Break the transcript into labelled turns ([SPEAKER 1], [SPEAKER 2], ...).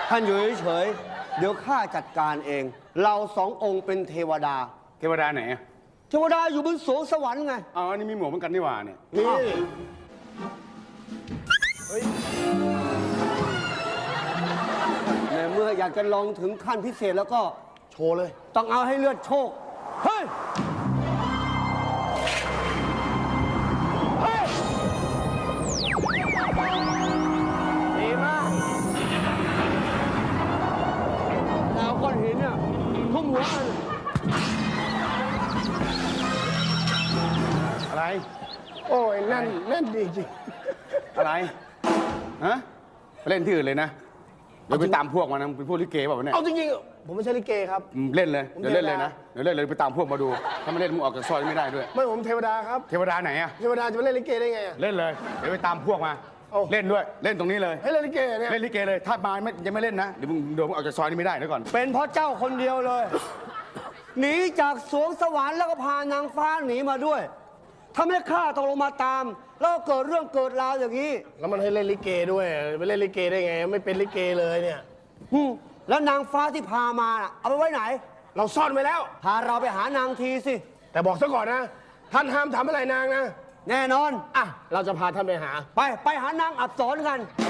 [SPEAKER 1] ท่านอยู่เฉยๆเดี๋ยวข้าจัดการเอง เราสององค์เป็นเทวดา
[SPEAKER 2] เทวดาไหนอะ
[SPEAKER 1] เทวดาอยู่บนสวงสวรรค์ไง
[SPEAKER 2] อ๋ออันนี้มีหมวกเหมือนกันนี่หว่าเนี่ย
[SPEAKER 1] นี่ ในเมื่ออยากจะลองถึงขั้นพิเศษแล้วก็
[SPEAKER 3] โชว์เลย
[SPEAKER 1] ต้องเอาให้เลือดโชค เฮ้ย เฮ้ย ดีมากแล้วก้อนหินเนี่ยทุ่มหัวมัน
[SPEAKER 2] อะไร
[SPEAKER 3] โอ้ยแน่นดีจริง
[SPEAKER 2] อะไร ฮะไปเล่นที่อื่นเลยนะ เดี๋ยวไปตามพวกมานะเป็นพวกลิเกเปล่าวะเนี่ย
[SPEAKER 3] เอาจริงๆผมไม่ใช่ลิเกครับ
[SPEAKER 2] เล่นเลย
[SPEAKER 3] ผม
[SPEAKER 2] เดี๋ยวเล่นเลย
[SPEAKER 3] เทวดา
[SPEAKER 2] นะ เดี๋ยวเล่นเลยไปตามพวกมาดู ถ้าไม่เล่นมึงออกจากซอยไม่ได้ด้วย
[SPEAKER 3] ไม่ผมเทวดาครับ
[SPEAKER 2] เทวดาไหนอะ
[SPEAKER 3] เทวดาจะมาเล่นลิเกได้ไงอะ
[SPEAKER 2] เล่นเลย เดี๋ยวไปตามพวกมา
[SPEAKER 3] เอา
[SPEAKER 2] เล่นด้วย เล่นตรงนี้เลย
[SPEAKER 3] ให้เล่นลิเกเนี่ย
[SPEAKER 2] เล่นลิเกเลย ถ้ามายังไม่เล่นนะ เดี๋ยวมึงโดนมึงออกจากซอยนี้ไม่ได้เดี๋ยวก่อน
[SPEAKER 1] เป็นเพราะเจ้าคนเดียวเลย หนีจากสวงสวรรค์แล้วก็พานางฟ้าหนีมาด้วยทำให้ข้าต้องลงมาตาม แล้วก็เกิดเรื่องเกิดราวอย่างนี้
[SPEAKER 3] แล้วมันให้เล่นลิเกด้วยไปเล่นลิเกได้ไง ไม่เป็นลิเกเลยเนี่ย
[SPEAKER 1] แล้วนางฟ้าที่พามาน่ะเอาไปไว้ไหน
[SPEAKER 3] เราซ่อนไว้แล้ว
[SPEAKER 1] พาเราไปหานางทีสิ
[SPEAKER 3] แต่บอกซะก่อนนะ ท่านห้ามทำอะไรนางนะ
[SPEAKER 1] แน่นอน
[SPEAKER 3] อ่ะเราจะพาท่านไปหา
[SPEAKER 1] ไปหานางอับสรกัน
[SPEAKER 3] ไ